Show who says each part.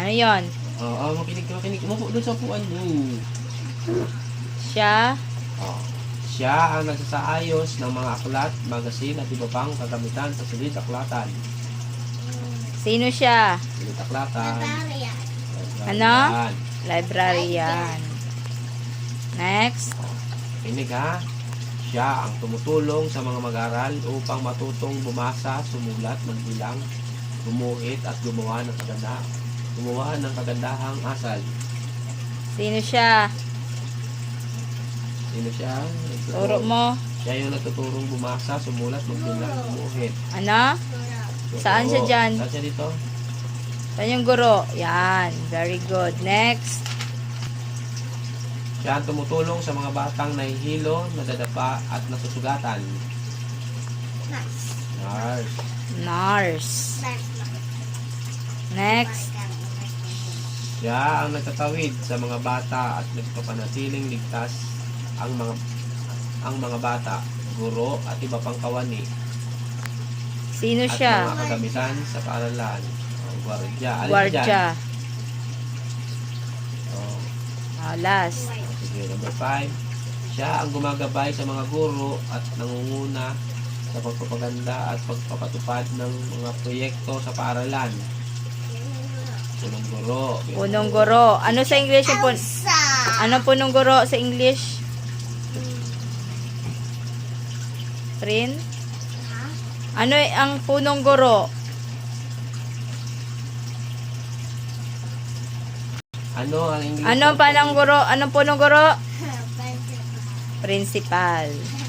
Speaker 1: Ano yon?
Speaker 2: Makinig. Umupo doon sa upuan mo.
Speaker 1: Siya?
Speaker 2: Siya ang nagsasaayos ng mga aklat, magasin at iba pang kagamitan sa silid-aklatan.
Speaker 1: Sino siya?
Speaker 2: Silid-aklatan.
Speaker 1: Ano? Librarian. Next.
Speaker 2: Kinig ha. Siya ang tumutulong sa mga mag-aral upang matutong bumasa, sumulat, magbilang, gumuhit at gumawa ng kagandahang asal.
Speaker 1: Sino siya?
Speaker 2: Sino siya?
Speaker 1: Turo mo.
Speaker 2: Siya yung nagtuturong bumasa, sumulat, magbilang, gumuhit.
Speaker 1: Ano? Saan siya dyan?
Speaker 2: Saan siya dito?
Speaker 1: Saan yung guro? Yan. Very good. Next.
Speaker 2: Siya ang tumutulong sa mga batang nahihilo, nadadapa at nasusugatan. Nurse.
Speaker 1: Nurse. Next.
Speaker 2: Siya ang nagtatawid sa mga bata at nagpapanatiling ligtas ang mga bata, guro at iba pang kawani.
Speaker 1: Sino
Speaker 2: At
Speaker 1: siya?
Speaker 2: mga kagamitan sa paaralan. Gwardya.
Speaker 1: Guardia. Last.
Speaker 2: Sige, number 5. Siya ang gumagabay sa mga guro at nangunguna sa pagpapaganda at pagpapatupad ng mga proyekto sa paaralan. Punong guro.
Speaker 1: Punong guro. Ano sa English yung Anong punong guro sa English? Prin? Ano ang punong guro?
Speaker 2: Ano ang English?
Speaker 1: Anong punong guro? Principal.